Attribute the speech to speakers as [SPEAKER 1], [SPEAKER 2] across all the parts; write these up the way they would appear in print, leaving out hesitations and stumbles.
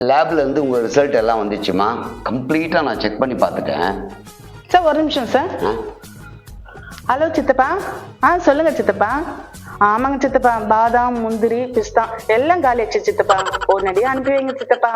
[SPEAKER 1] லேப்ல இருந்து உங்க ரிசல்ட் எல்லாம் வந்துச்சுமா. கம்ப்ளீட்டா நான் செக் பண்ணி பார்த்துட்டேன்.
[SPEAKER 2] சார் ஒரு நிமிஷம் சார். ஹலோ சித்தப்பா. சொல்லுங்க சித்தப்பா. ஆமாங்க சித்தப்பா, பாதாம் முந்திரி பிஸ்தா எல்லாம் காலியாச்சு சித்தப்பா. உடனடியே அனுப்பி வைங்க சித்தப்பா.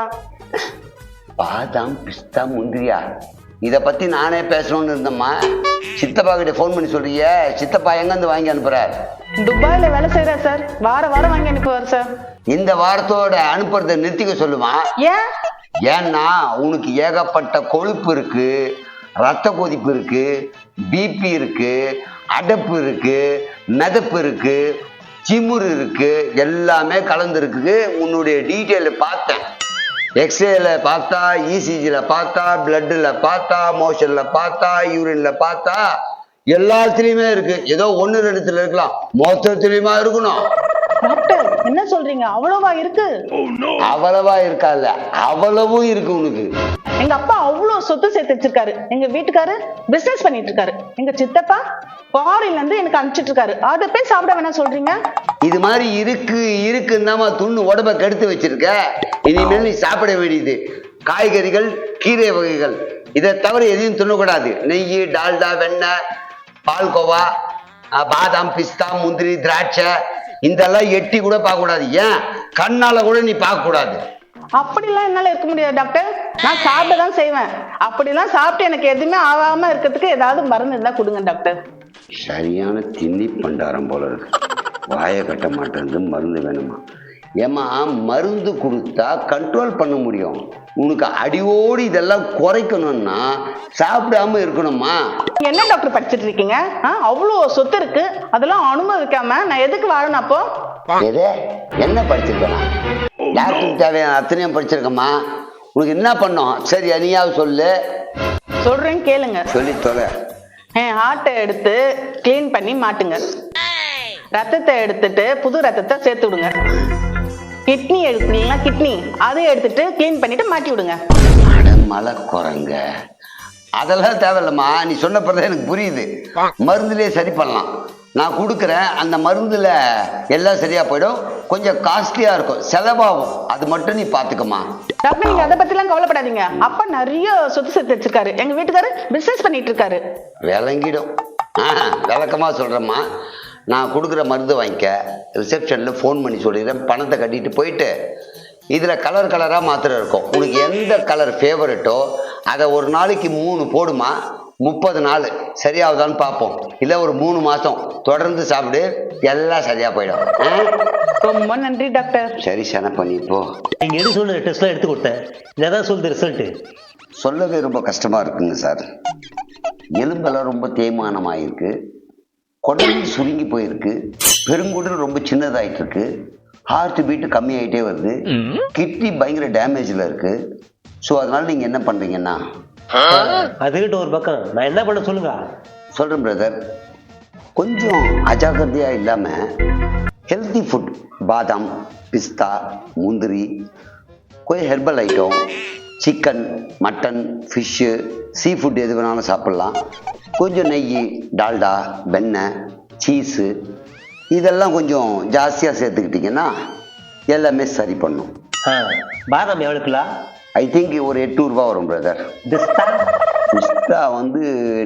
[SPEAKER 1] பாதாம் பிஸ்தா முந்திரியா? இதை பத்தி நானே பேசணும்னு இருந்தேம்மா. சித்தப்பா கிட்ட ஃபோன் பண்ணி சொல்றிய. சித்தப்பா எங்கேருந்து வாங்கி அனுப்புறார்?
[SPEAKER 2] துபாயில வேலை செய்யறா சார். வாரம் வாங்கி அனுப்புவார் சார்.
[SPEAKER 1] இந்த வாரத்தோட அனுப்புறதை நிறுத்திக்க சொல்லுமா.
[SPEAKER 2] ஏன்?
[SPEAKER 1] ஏன்னா உனக்கு ஏகப்பட்ட கொழுப்பு இருக்கு, ரத்த கொதிப்பு இருக்கு, பிபி இருக்கு, அடப்பு இருக்கு, மிதப்பு இருக்கு, சிமுறு இருக்கு, எல்லாமே கலந்துருக்கு. உன்னுடைய டீட்டெயில பார்த்தேன். எக்ஸ்ரேல பார்த்தா, இசிஜில பார்த்தா, பிளட்ல பார்த்தா, மோஷன்ல பார்த்தா, யூரின்ல பார்த்தா, எல்லாத்துலயுமே இருக்கு. ஏதோ ஒன்னு ரெண்டுத்துல இருக்கலாம், மொத்தத்திலயுமா இருக்கணும்.
[SPEAKER 2] டாக்டர் என்ன சொல்றீங்க? அவ்வளவா இருக்கு?
[SPEAKER 1] அவ்வளவா இருக்கால, அவ்வளவும் இருக்கு உனக்கு.
[SPEAKER 2] எங்க அப்பா அவ்வளவு சொத்து சேர்த்து வச்சிருக்காரு. எங்க வீட்டுக்காரு பிசினஸ் பண்ணிட்டு இருக்காரு. எங்க சித்தப்பா ஃபாரின்ல இருந்து எனக்கு அனுப்பிச்சிட்டு இருக்காரு. அதை போய் சாப்பிட வேணாம் சொல்றீங்க?
[SPEAKER 1] இது மாதிரி இருக்குன்னு துண்ணு உடம்ப கெடுத்து வச்சிருக்க. இனிமேல் நீ சாப்பிட வேண்டியது காய்கறிகள், கீரை வகைகள். இதை தவிர எதையும் துண்ணக்கூடாது. நெய், டால்டா, வெண்ணெய், பால்கோவா, பாதாம், பிஸ்தா, முந்திரி, திராட்சை இதெல்லாம் எட்டி கூட பார்க்க கூடாது. ஏன் கண்ணால கூட நீ பார்க்க கூடாது.
[SPEAKER 2] அப்படிலாம் என்னால இருக்க முடியாது டாக்டர். நான் சாப்பிட தான் செய்வேன். அப்படிலாம் சாப்பிட்டு எனக்கு எதுவுமே ஆகாம இருக்கிறதுக்கு ஏதாவது மருந்து இருந்தா கொடுங்க டாக்டர்.
[SPEAKER 1] சரியான திண்ணி பண்டாரம் போல இருக்கு. வாயை கட்ட மாட்டேங்குது. மருந்து வேணுமா? ஏமா, மருந்து கொடுத்தா கண்ட்ரோல் பண்ண முடியும். உனக்கு அடியோடு இதெல்லாம் குறைக்கணும்னா சாப்பிடாம இருக்கணுமா?
[SPEAKER 2] என்ன டாக்டர் படிச்சுட்டு இருக்கீங்க? அவ்வளோ சொத்து இருக்கு, அதெல்லாம் அனுமதிக்காம நான் எதுக்கு வாழணும்? அப்போ
[SPEAKER 1] எது என்ன படிச்சிருக்கேன்? டாக்டருக்கு தேவையான அத்தனையும் படிச்சிருக்கேம்மா. உனக்கு என்ன பண்ணும்? சரி, நீயாவது சொல்லு.
[SPEAKER 2] சொல்றேன் கேளுங்க.
[SPEAKER 1] சொல்லி தொலை.
[SPEAKER 2] ஹார்ட்டை எடுத்து கிளீன் பண்ணி மாட்டுங்க. ரத்தத்தை எடுத்துட்டு புது ரத்தத்தை சேர்த்து விடுங்க. கிட்னி எடுத்தீங்கன்னா கிட்னி அதை எடுத்துட்டு கிளீன் பண்ணிட்டு மாட்டி விடுங்க.
[SPEAKER 1] மலை குரங்க அதெல்லாம் தேவையில்லம்மா. நீ சொன்ன பிறகு எனக்கு புரியுது. மருந்துலேயே சரி பண்ணலாம். நான் கொடுக்குறேன். அந்த மருந்துல எல்லாம் சரியா போயிடும். கொஞ்சம் காஸ்ட்லியா இருக்கும், செலவாகும். அது மட்டும் நீ பாத்துக்கமா.
[SPEAKER 2] டாக்டர் நீங்க அதை பத்தி எல்லாம் கவலைப்படாதீங்க. அப்பா நிறைய சொத்து சேர்த்து வச்சிருக்காரு. எங்க வீட்டுக்காரு பிசினஸ் பண்ணிட்டு இருக்காரு.
[SPEAKER 1] விளங்கிடும். விளக்கமா சொல்றேம்மா. நான் கொடுக்குற மருந்து வாங்கிக்க. ரிசப்ஷனில் ஃபோன் பண்ணி சொல்லிடுறேன். பணத்தை கட்டிட்டு போயிட்டு இதில் கலராக மாத்திரை இருக்கும். உனக்கு எந்த கலர் ஃபேவரட்டோ அதை ஒரு நாளைக்கு 3 போடுமா. 30 நாள் சரியாகுதான்னு பார்ப்போம். இல்லை ஒரு 3 மாதம் தொடர்ந்து சாப்பிடு, எல்லாம் சரியாக போயிடும்.
[SPEAKER 2] ரொம்ப நன்றி டாக்டர்.
[SPEAKER 1] சரி, சன பண்ணிப்போ.
[SPEAKER 3] நீங்கள் எது சொல்லுற டெஸ்ட்லாம் எடுத்து கொடுத்தேன். இதான் சொல்லுது ரிசல்ட்டு.
[SPEAKER 1] சொல்லவே ரொம்ப கஷ்டமாக இருக்குங்க சார். எலும்பெல்லாம் ரொம்ப தேய்மானமாயிருக்கு, குடல் சுருங்கி போயிருக்கு, பெருங்குடல் ரொம்ப சின்னதாயிட்டு இருக்கு, ஹார்ட் பீட்டு கம்மியாயிட்டே வருது, கிட்னி பயங்கர டேமேஜ்ல இருக்கு. ஸோ அதனால நீங்க என்ன பண்றீங்கன்னா,
[SPEAKER 3] அதுக்கிட்ட ஒரு பக்கம் நான் என்ன பண்ண சொல்லுங்க.
[SPEAKER 1] சொல்றேன் பிரதர். கொஞ்சம் அஜாக்கிரதையா இல்லாம ஹெல்தி ஃபுட், பாதாம், பிஸ்தா, முந்திரி, கொஞ்சம் herbal item, chicken, mutton, fish, seafood எது வேணாலும் சாப்பிட்லாம். கொஞ்சம் நெய், டால்டா, வெண்ணெய், சீஸு இதெல்லாம் கொஞ்சம் ஜாஸ்தியாக சேர்த்துக்கிட்டிங்கன்னா எல்லாமே சரி பண்ணும்.
[SPEAKER 3] பாதாம் எவ்வளோக்குலா?
[SPEAKER 1] ஐ திங்க் ஒரு 8 ரூபா வரும் பிரதர்.
[SPEAKER 3] பிஸ்தா?
[SPEAKER 1] பிஸ்தா வந்து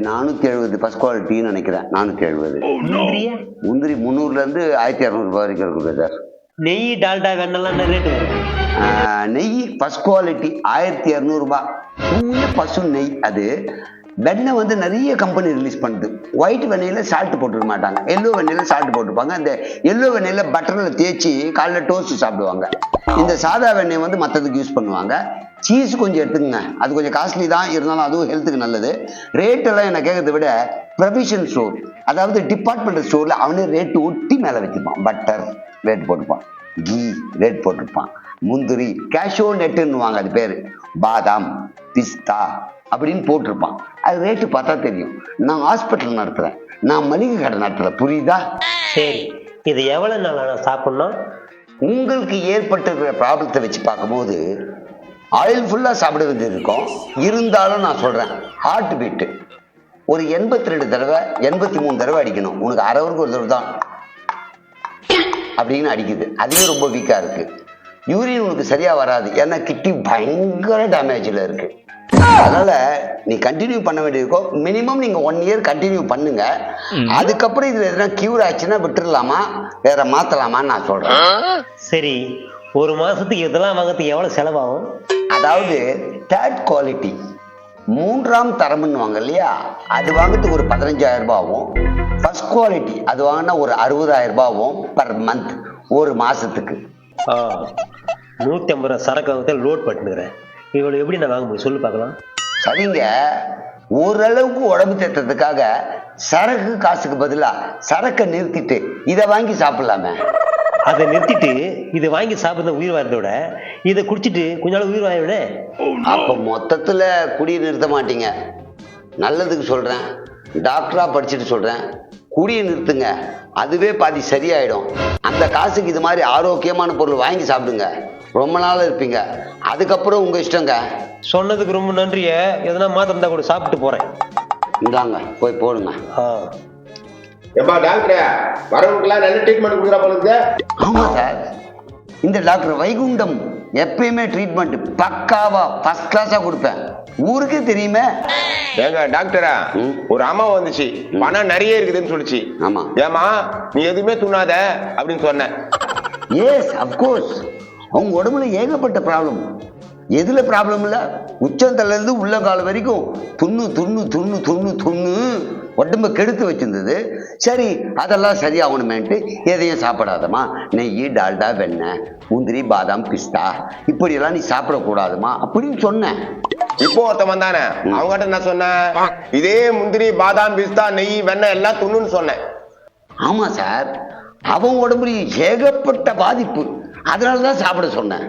[SPEAKER 1] 470 ஃபர்ஸ்ட் குவாலிட்டின்னு நினைக்கிறேன். 470. முந்திரி 300லேருந்து 1200 ரூபாய் வரைக்கும் இருக்கு பிரதர்.
[SPEAKER 3] நெய், டால்டா, வெண்ணெல்லாம் ரேட்டு வரும்.
[SPEAKER 1] நெய் ஃபர்ஸ்ட் குவாலிட்டி 1200 ரூபாய். பசு நெய். அது வெண்ணெய் வந்து நிறைய கம்பெனி ரிலீஸ் பண்ணுது. ஒயிட் வெண்ணெயில சால்ட் போட்டுக்க மாட்டாங்க, எல்லோ வெண்ணெயில சால்ட் போட்டுருப்பாங்க. அந்த எல்லோ வெண்ணெயில பட்டரில் தேய்ச்சி காலைல டோஸ்ட் சாப்பிடுவாங்க. இந்த சாதா வெண்ணெய் வந்து மற்றதுக்கு யூஸ் பண்ணுவாங்க. சீஸ் கொஞ்சம் எடுத்துக்கங்க, அது கொஞ்சம் காஸ்ட்லி தான், இருந்தாலும் அதுவும் ஹெல்த்துக்கு நல்லது. ரேட்டெல்லாம் என்ன கேட்கறத விட ப்ரொவிஷன் ஸ்டோர், அதாவது டிபார்ட்மெண்டல் ஸ்டோர்ல அவனே ரேட்டு ஒட்டி மேலே வச்சுப்பான். பட்டர் ரேட் போட்டுப்பான், கீ ரேட் போட்டிருப்பான், முந்திரி கேஷோ நெட்டுன்னுவாங்க அது பேர், பாதாம், பிஸ்தா அப்படின்னு போட்டிருப்பான். அது ரேட்டு பார்த்தா தெரியும். நான் ஹாஸ்பிட்டல் நடத்துறேன், நான் மளிகை கடை நடத்துறேன், புரியுதா?
[SPEAKER 3] சரி, இது எவ்வளவு நாள் நான் சாப்பிடணும்?
[SPEAKER 1] உங்களுக்கு ஏற்பட்டிருக்கிற ப்ராப்ளத்தை வச்சு பார்க்கும்போது ஆயில் ஃபுல்லா சாப்பிட வேண்டியது இருக்கும். இருந்தாலும் நான் சொல்றேன், ஹார்ட் பீட்டு ஒரு 82 தடவை 83 தடவை அடிக்கணும். உனக்கு அரை ஹவருக்கு ஒரு தடவை தான் அப்படின்னு அடிக்குது. அதுவே ரொம்ப வீக்கா இருக்கு. யூரின் உனக்கு சரியா வராது, ஏன்னா கிட்னி பயங்கர டேமேஜ்ல இருக்கு. அதனால நீ கண்டினியூ பண்ண வேண்டியிருக்கோம். மினிமம் நீங்க 1 இயர் கண்டினியூ பண்ணுங்க. அதுக்கப்புறம் இதுல எதனா கியூர் ஆச்சுன்னா விட்டுறலாமா, வேற மாத்தலாமான்னு நான் சொல்றேன்.
[SPEAKER 3] சரி, ஒரு மாசத்துக்கு இதெல்லாம் வாங்கிறதுக்கு எவ்வளவு செலவாகும்?
[SPEAKER 1] அதாவது தேர்ட் குவாலிட்டி, 3ஆம் தரம்னு வாங்க இல்லையா, அது வாங்கிறதுக்கு ஒரு 15,000 ரூபாய் ஆகும். ஃபர்ஸ்ட் குவாலிட்டி அது வாங்கினா ஒரு 60,000 ரூபாய் ஆகும் பர் மந்த், ஒரு மாசத்துக்கு.
[SPEAKER 3] 150 ரூபா சரக்கு வாங்கத்தை லோட் பண்ணிக்கிறேன். இவ்வளவு எப்படி நான் வாங்க முடியும் சொல்லு பார்க்கலாம்.
[SPEAKER 1] சரிங்க, ஓரளவுக்கு உடம்பு தேத்துறதுக்காக சரக்கு காசுக்கு பதிலா சரக்கை நிறுத்திட்டு இதை வாங்கி சாப்பிடலாமே.
[SPEAKER 3] அதை நிறுத்திட்டு இதை வாங்கி சாப்பிட்ற உயிர் வாரத்தோட இதை குடிச்சிட்டு கொஞ்ச நாள் உயிர் வாங்கிவிட.
[SPEAKER 1] அப்ப மொத்தத்துல குடியை நிறுத்த மாட்டீங்க. நல்லதுக்கு சொல்றேன், டாக்டரா படிச்சுட்டு சொல்றேன், குடியை நிறுத்துங்க. அதுவே பாதி சரியாயிடும். அந்த காசுக்கு இது மாதிரி ஆரோக்கியமான பொருள் வாங்கி சாப்பிடுங்க, ரொம்ப நாள் இருப்பீங்க. அதுக்கப்புறம் உங்க இஷ்டங்க.
[SPEAKER 3] சொன்னதுக்கு ரொம்ப நன்றிய. எதனா மாத்திரம் இருந்தா கூட சாப்பிட்டு போறேன்.
[SPEAKER 1] இந்தாங்க போய் போடுங்க.
[SPEAKER 4] எப்பா டாக்டர், வரவங்களுக்குலாம் நல்ல ட்ரீட்மெண்ட் கொடுக்குறா போல.
[SPEAKER 1] ஆமா சார், இந்த டாக்டர் வைகுண்டம் எப்பயுமே ட்ரீட்மெண்ட் பக்காவா ஃபர்ஸ்ட் கிளாஸா கொடுப்பேன், ஊருக்கே தெரியுமே.
[SPEAKER 4] ஏங்க டாக்டரா, ஒரு அம்மா வந்துச்சு, பணம் நிறைய இருக்குதுன்னு சொல்லிச்சு.
[SPEAKER 1] ஆமா.
[SPEAKER 4] ஏமா நீ எதுவுமே துண்ணாத அப்படின்னு சொன்னேன்.
[SPEAKER 1] எஸ் அப்கோர்ஸ், அவங்க உடம்புல ஏகப்பட்ட ப்ராப்ளம். எதுல ப்ராப்ளம் இல்ல, உச்சந்தல இருந்து உள்ள கால வரைக்கும் துண்ணு துண்ணு துண்ணு துண்ணு துண்ணு உடம்ப கெடுத்து வச்சிருந்தது. சரி, அதெல்லாம் சரியாகணுமேன்ட்டு எதையும் சாப்பிடாதமா, நெய், டால்டா, வெண்ணெய், முந்திரி, பாதாம், பிஸ்தா இப்படியெல்லாம் நீ சாப்பிடக்கூடாதுமா அப்படின்னு சொன்னேன்.
[SPEAKER 4] இப்போ ஒருத்தன் வந்தானே, அவங்ககிட்ட என்ன சொன்னேன், இதே முந்திரி, பாதாம், பிஸ்தா, நெய், வெண்ணெய் எல்லாம் துண்ணுன்னு சொன்னேன்.
[SPEAKER 1] ஆமா சார், அவன் உடம்புல ஏகப்பட்ட பாதிப்பு, அதனாலதான் சாப்பிட சொன்னேன்.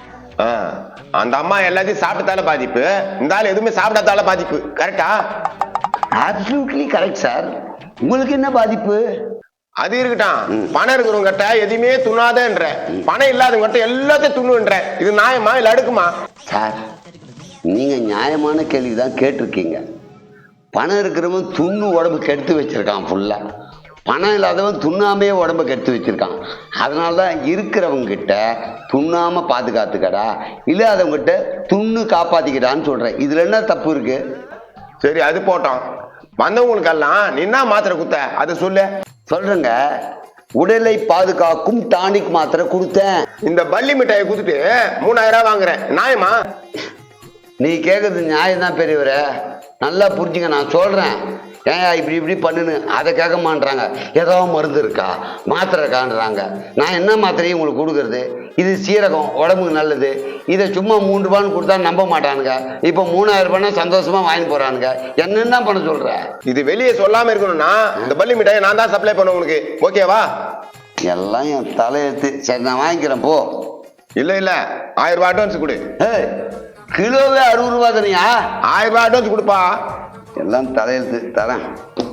[SPEAKER 4] அந்த அம்மா எல்லாத்தையும் சாப்பிட்டதால பாதிப்பு, இந்த ஆள் எதுவுமே சாப்பிடாதால பாதிப்பு. கரெக்டா?
[SPEAKER 1] Absolutely correct sir. உங்களுக்கு என்ன பாதிப்பு?
[SPEAKER 4] அது இருக்கட்டும், பணம் இருக்கிறவங்க கிட்ட எதுவுமே துண்ணாதன்ற, பணம் இல்லாதவங்க கிட்ட எல்லாத்தையும் துண்ணுன்ற, இது நியாயமா இல்ல அடுக்குமா?
[SPEAKER 1] சார், நீங்க நியாயமான கேள்விதான் கேட்டிருக்கீங்க. பணம் இருக்கிறவன் துண்ணு உடம்பு கெடுத்து வச்சிருக்கான் ஃபுல்லா, பணம் இல்லாதவன் துண்ணாமையே உடம்ப கெடுத்து வச்சிருக்கான். அதனாலதான் இருக்கிறவங்க கிட்ட துண்ணாம பாதுகாத்துக்கடா, இல்லாதவங்க கிட்ட துண்ணு காப்பாத்திக்கிட்டான்னு சொல்றேன். இதுல என்ன தப்பு இருக்கு?
[SPEAKER 4] சரி, அது போட்டோம். வந்தவங்களுக்கெல்லாம் நீ என்ன மாத்திரை குத்த அதை சொல்லு.
[SPEAKER 1] சொல்றேங்க, உடலை பாதுகாக்கும் டானிக் மாத்திரை கொடுத்தேன்.
[SPEAKER 4] இந்த பள்ளி மிட்டாயை குடுத்துட்டு 3000 ரூபாய் வாங்குறேன், நியாயமா?
[SPEAKER 1] நீ கேட்கறது நியாயம் தான் பெரியவரே, நல்லா புரிஞ்சுங்க. நான் சொல்றேன், ஏன் இப்படி இப்படி பண்ணுன்னு, அதை கேட்க மாட்டாங்க. ஏதோ மருந்து இருக்கா, மாத்திரை இருக்கான்றாங்க. நான் என்ன மாத்திரையும் உங்களுக்கு கொடுக்கறது? இது சீரகம், உடம்புக்கு நல்லது. இதை சும்மா 3 ரூபான்னு கொடுத்தா நம்ப மாட்டானுங்க. இப்போ 3000 ரூபாய்னா சந்தோஷமா வாங்கி போறானுங்க. என்னென்ன பண்ண சொல்ற?
[SPEAKER 4] இது வெளியே சொல்லாம இருக்கணும்னா இந்த பள்ளி மிட்டாயை நான் தான் சப்ளை பண்ண உங்களுக்கு, ஓகேவா?
[SPEAKER 1] எல்லாம் என் தலையெழுத்து. சரி, நான் வாங்கிக்கிறேன் போ.
[SPEAKER 4] இல்ல 1000 ரூபாய் அட்வான்ஸ் கொடு.
[SPEAKER 1] கிலோவே 60 ரூபா தானியா?
[SPEAKER 4] 1000 ரூபாய் அட்வான்ஸ் கொடுப்பா.
[SPEAKER 1] எல்லாம் தலையெழுத்து தரேன்.